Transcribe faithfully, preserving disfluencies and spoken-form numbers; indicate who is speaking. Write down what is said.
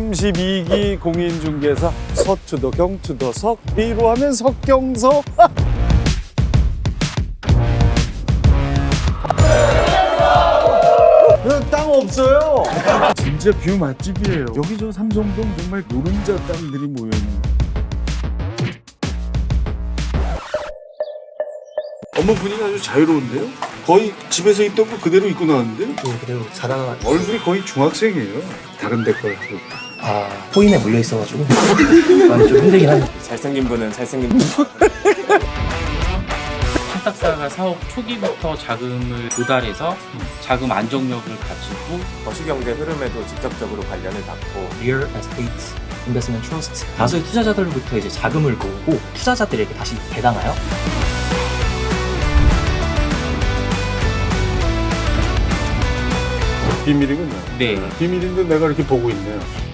Speaker 1: 삼십이 기 공인중개사 서투더 경투더 석비로 하면 석경석. 땅 없어요. 진짜 뷰 맛집이에요. 여기 저 삼성동 정말 노른자 땅들이 모여있는. 어머 분위기 아주 자유로운데요? 거의 집에서 입던 거 그대로 입고 나왔는데요?
Speaker 2: 네, 그대로 자라나.
Speaker 1: 얼굴이 거의 중학생이에요. 다른 데 거랑.
Speaker 2: 아, 코인에 물려 있어가지고 많이 좀 힘들긴 하네요.
Speaker 3: 잘생긴 분은 잘생긴
Speaker 4: 신탁사가 사업 초기부터 자금을 조달해서 자금 안정력을 가지고
Speaker 3: 거시경제 흐름에도 직접적으로 관련을 받고
Speaker 2: Real Estate Investment Trust 다수의 투자자들로부터 이제 자금을 모으고 투자자들에게 다시 배당하여
Speaker 1: 비밀이군요.
Speaker 4: 네.
Speaker 1: 비밀인데 내가 이렇게 보고 있네요.